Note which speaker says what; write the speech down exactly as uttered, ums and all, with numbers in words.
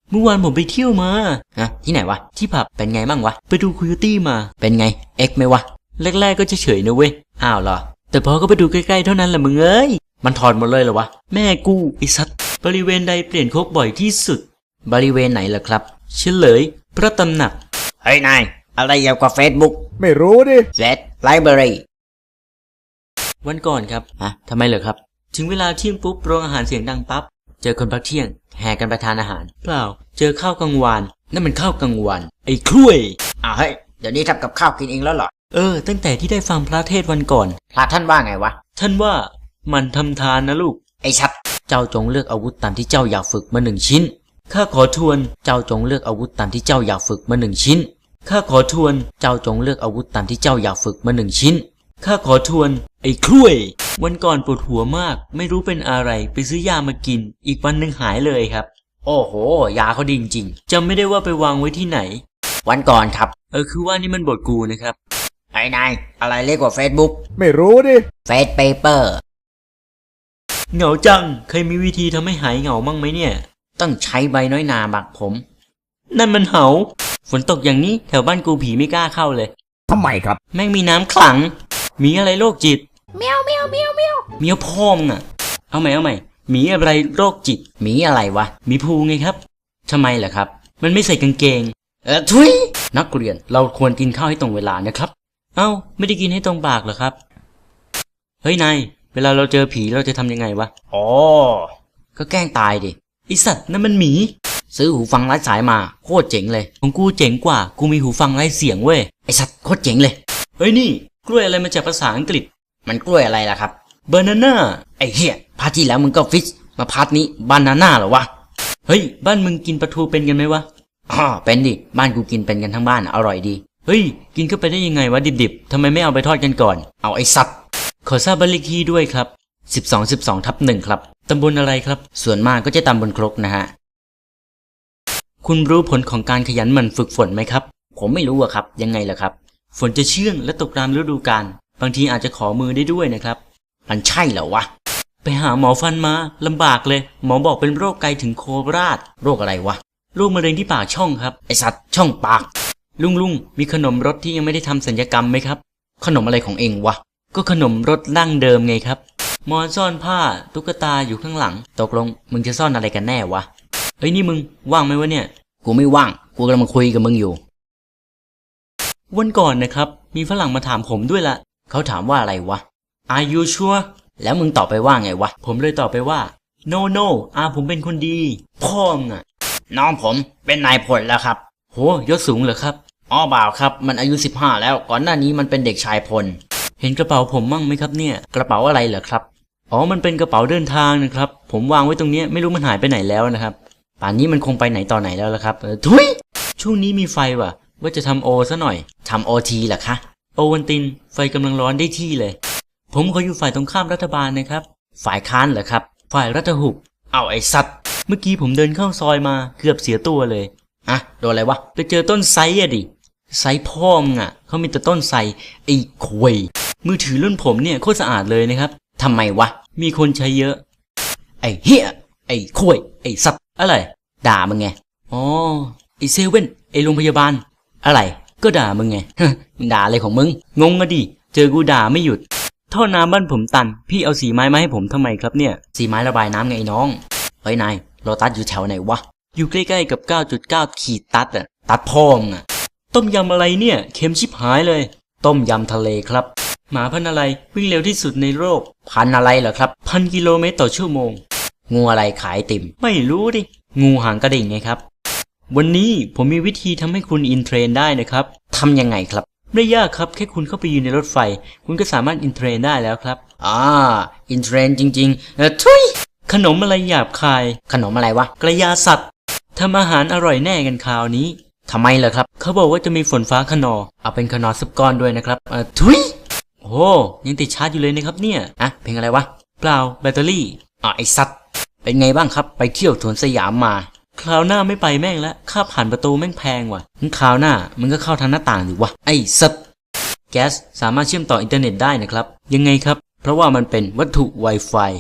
Speaker 1: เมื่อวานผมไปเที่ยวมา
Speaker 2: ฮะที่ไหนวะ
Speaker 1: ที่ผับ
Speaker 2: เป็นไงบ้างวะ
Speaker 1: ไปดูคุยตี้มา
Speaker 2: เป็นไงเอ็กไหมวะ
Speaker 1: แรกๆก็เฉยๆนะเว้ย
Speaker 2: อ้าวเหรอ
Speaker 1: แต่พอก็ไปดูใกล้ๆเท่านั้นแหละมึงเอ้ย
Speaker 2: มันถอดหมดเลยเหรอวะ
Speaker 1: แม่กูไอ้สัตว์บริเวณใดเปลี่ยนโคกบ่อยที่สุด
Speaker 2: บริเวณไหนล่ะครับ
Speaker 1: เฉลยพระตำหนัก
Speaker 2: เฮ้ยนายอะไรเกี่ยวกับเฟซบุ๊ก
Speaker 3: ไม่รู้ดิ
Speaker 2: เฟซไลบรารี
Speaker 1: วันก่อนครับ
Speaker 2: ฮะทำไมเหรอครับ
Speaker 1: ถึงเวลาเที่ยงปุ๊บโรงอาหารเสียงดังปั๊บเจอคนพักเที่ยง
Speaker 2: แห่กันไปทานอาหาร
Speaker 1: เปล่าเจอข้าวกลางวาน
Speaker 2: นั่นมันข้าวกลางวัน
Speaker 1: ไอ้คลุ้ย
Speaker 2: อ้าวเฮ้ยเดี๋ยวนี้ทำกับข้าวกินเองแล้วเหรอ
Speaker 1: เออตั้งแต่ที่ได้ฟังพระเทศวันก่อน
Speaker 2: พระท่านว่าไงวะ
Speaker 1: ท่านว่ามันทำทานนะลูก
Speaker 2: ไอ้ชัดเจ้าจงเลือกอาวุธตามที่เจ้าอยากฝึกมาหนึ่งชิ้น
Speaker 1: ข้าขอทวน
Speaker 2: เจ้าจงเลือกอาวุธตามที่เจ้าอยากฝึกมาหนึ่งชิ้น
Speaker 1: ข้าขอทวน
Speaker 2: เจ้าจงเลือกอาวุธตามที่เจ้าอยากฝึกมาหนึ่งชิ้น
Speaker 1: ข้าขอทวนไอ้คลุ้ยวันก่อนปวดหัวมากไม่รู้เป็นอะไรไปซื้อยามากินอีกวันหนึ่งหายเลยครับ
Speaker 2: โอ้โหยาเขาดีจริง
Speaker 1: จำไม่ได้ว่าไปวางไว้ที่ไหน
Speaker 2: วันก่อนครับ
Speaker 1: เออคือว่านี่มันบทกูนะครับ
Speaker 2: ไอ้นายอะไรเรียกว่าเฟซบุ๊ก
Speaker 3: ไม่รู้ดิ
Speaker 2: เฟซเปเปอร์
Speaker 1: เหงาจังเคยมีวิธีทำให้หายเหงามั่งไหมเนี่ย
Speaker 2: ต้องใช้ใบน้อยนาบักผม
Speaker 1: นั่นมันเหาฝนตกอย่างนี้แถวบ้านกูผีไม่กล้าเข้าเลย
Speaker 3: ทำไมครับ
Speaker 1: แม่งมีน้ำขลังมีอะไรโรคจิต
Speaker 2: เมียวเมียวเมียวเมียว
Speaker 1: เมียวพ่อมน่ะเอาใหม่เอาใหม่มีอะไรโรคจิต
Speaker 2: มีอะไรวะ
Speaker 1: มีภูไงครับ
Speaker 2: ทำไมล่ะครับ
Speaker 1: มันไม่ใส่กางเกง
Speaker 2: เออทุย
Speaker 1: นักเรียนเราควรกินข้าวให้ตรงเวลานะครับเอ้าไม่ได้กินให้ตรงปากเหรอครับเฮ้ยนายเวลาเราเจอผีเราจะทำยังไงวะ
Speaker 2: อ๋อก็แกล้งตายดิ
Speaker 1: ไอสัตว์นั่นมันหมี
Speaker 2: ซื้อหูฟังไร้สายมาโคตรเจ๋งเลย
Speaker 1: ของกูเจ๋งกว่ากูมีหูฟังไร้เสียงเว้ย
Speaker 2: ไอสัตว์โคตรเจ๋งเลย
Speaker 1: เฮ้ยนี่กล้วยอะไรมาจากภาษาอังกฤษ
Speaker 2: มันกล้วยอะไรล่ะครับ
Speaker 1: บานาน่า
Speaker 2: ไอเหี้ยพาร์ทที่แล้วมึงก็ฟิชมาพาร์ทนี้บานาน่าเหรอวะ
Speaker 1: เฮ้ยบ้านมึงกินปลาทูเป็นกันไหมวะ
Speaker 2: อ๋อเป็นดิบ้านกูกินเป็นกันทั้งบ้านอร่อยดี
Speaker 1: เฮ้ยกินเข้าไปได้ยังไงวะดิบๆทำไมไม่เอาไปทอดกันก่อน
Speaker 2: เอาไอสัตว์
Speaker 1: ขอทราบบ้านเลขที่ด้วยครับสิบสอง สิบสองทับหนึ่งครับตำบลอะไรครับ
Speaker 2: ส่วนมากก็จะตำบลครกนะฮะ
Speaker 1: คุณรู้ผลของการขยันหมั่นฝึกฝนไหมครับ
Speaker 2: ผมไม่รู้อะครับยังไงล่ะครับ
Speaker 1: ฝนจะเชื่องและตกตามฤดูกาลบางทีอาจจะขอมือได้ด้วยนะครับ
Speaker 2: มันใช่เหรอวะ
Speaker 1: ไปหาหมอฟันมาลำบากเลยหมอบอกเป็นโรคไกถึงโคราช
Speaker 2: โรคอะไรวะ
Speaker 1: โรคมะเร็งที่ปากช่องครับ
Speaker 2: ไอสัตว์ช่องปาก
Speaker 1: ลุงลุงมีขนมรสที่ยังไม่ได้ทำศัลยกรรมไหมครับ
Speaker 2: ขนมอะไรของเองวะ
Speaker 1: ก็ขนมรสดั้งเดิมไงครับหมอนซ่อนผ้าตุ๊กตาอยู่ข้างหลัง
Speaker 2: ตกลงมึงจะซ่อนอะไรกันแน่วะ
Speaker 1: เฮ้ยนี่มึงว่างไหมวะเนี่ย
Speaker 2: กูไม่ว่างกูกำลังคุยกับมึงอยู่
Speaker 1: วันก่อนนะครับมีฝรั่งมาถามผมด้วยละ
Speaker 2: เขาถามว่าอะไรวะ
Speaker 1: Are you sure
Speaker 2: แล้วมึงตอบไปว่าไงวะ
Speaker 1: ผมเลยตอบไปว่า No no อาผมเป็นคนดีพ่อมน่ะ
Speaker 2: น้องผมเป็นนายพลแล้วครับ
Speaker 1: โหยศสูงเหรอครับ
Speaker 2: อ๋อบ่าวครับมันอายุสิบห้าแล้วก่อนหน้านี้มันเป็นเด็กชายพล
Speaker 1: เห็นกระเป๋าผมมั่งไหมครับเนี่ย
Speaker 2: กระเป๋าอะไรเหรอครับ
Speaker 1: อ๋อมันเป็นกระเป๋าเดินทางนะครับผมวางไว้ตรงนี้ไม่รู้มันหายไปไหนแล้วนะครับ
Speaker 2: ป่านนี้มันคงไปไหนต่อไหนแล้วล่ะครับ
Speaker 1: เออทุยช่วงนี้มีไฟว่ะว่าจะทำโอซะหน่อย
Speaker 2: ทำโอทีเหรอคะ
Speaker 1: โอวันตินไฟกำลังร้อนได้ที่เลยผมขออยู่ฝ่ายตรงข้ามรัฐบาลนะครับ
Speaker 2: ฝ่ายค้านเหรอครับ
Speaker 1: ฝ่ายรัฐหุบ
Speaker 2: เอาไอ้สัตว์
Speaker 1: เมื่อกี้ผมเดินเข้าซอยมาเกือบเสียตัวเลย
Speaker 2: อะโดนอะไรวะ
Speaker 1: ไปเจอต้นไทรอะดิไทรพ่อมงอะเขามีแต่ต้นไทรไอ้ควยมือถือรุ่นผมเนี่ยโคตรสะอาดเลยนะครับ
Speaker 2: ทำไมวะ
Speaker 1: มีคนใช้เยอะ
Speaker 2: ไอ้เหี้ยไอ้ควยไอ้สัตว์
Speaker 1: อะไร
Speaker 2: ด่ามึงไง
Speaker 1: อ๋อไอ้เซเว่นไอ้โรงพยาบาล
Speaker 2: อะไร
Speaker 1: ก็ด่ามึงไง
Speaker 2: มึงด่าอะไรของมึง
Speaker 1: งงอะดิเจอกูด่าไม่หยุดท่อน้ำบ้านผมตันพี่เอาสีไม้มาให้ผมทำไมครับเนี่ย
Speaker 2: สีไม้ระบายน้ำไงน้องเฮ้ยนายโลตัสอยู่แถวไหนวะ
Speaker 1: อยู่ใกล้ๆกับ เก้าจุดเก้า ขีดตัดอะ
Speaker 2: ตัดพ่องอะ
Speaker 1: ต้มยำอะไรเนี่ยเค็มชิบหายเลย
Speaker 2: ต้มยำทะเลครับ
Speaker 1: หมาพันอะไรวิ่งเร็วที่สุดในโลก
Speaker 2: พันอะไรเหรอครับ
Speaker 1: พันกิโลเมตรต่อชั่วโมง
Speaker 2: งูอะไรขายติ่ม
Speaker 1: ไม่รู้ดิงูหางกระดิ่งไงครับวันนี้ผมมีวิธีทำให้คุณอินเทรนได้นะครับ
Speaker 2: ทำยังไงครับ
Speaker 1: ไม่ยากครับแค่คุณเข้าไปยืนในรถไฟคุณก็สามารถอินเทรนได้แล้วครับ
Speaker 2: อ่าอินเทรนจริงๆเออทุย
Speaker 1: ขนมอะไรหยาบคาย
Speaker 2: ขนมอะไรวะ
Speaker 1: กระยาสัตว์ทำอาหารอร่อยแน่กันคราวนี้
Speaker 2: ทำไมเหรอครับ
Speaker 1: เขาบอกว่าจะมีฝนฟ้าขนอง
Speaker 2: เอาเป็นขนอสักก้อนด้วยนะครับ
Speaker 1: เออทุยโอ้ยังติดชาร์จอยู่เลยนะครับเนี่ย
Speaker 2: อ่ะเพลงอะไรวะ
Speaker 1: เปล่าแบตเตอรี่
Speaker 2: อ่ะไอสัตว์เป็นไงบ้างครับไปเที่ยวสวนสยามมา
Speaker 1: คราวหน้าไม่ไปแม่งแล้วค่าผ่านประตูแม่งแพงว่ะ
Speaker 2: งั้นคราวหน้ามึงก็เข้าทางหน้าต่างดิวะ
Speaker 1: ไอสัตว์แก๊สสามารถเชื่อมต่ออินเทอร์เน็ตได้นะครับยังไงครับเพราะว่ามันเป็นวัตถุ Wi-Fi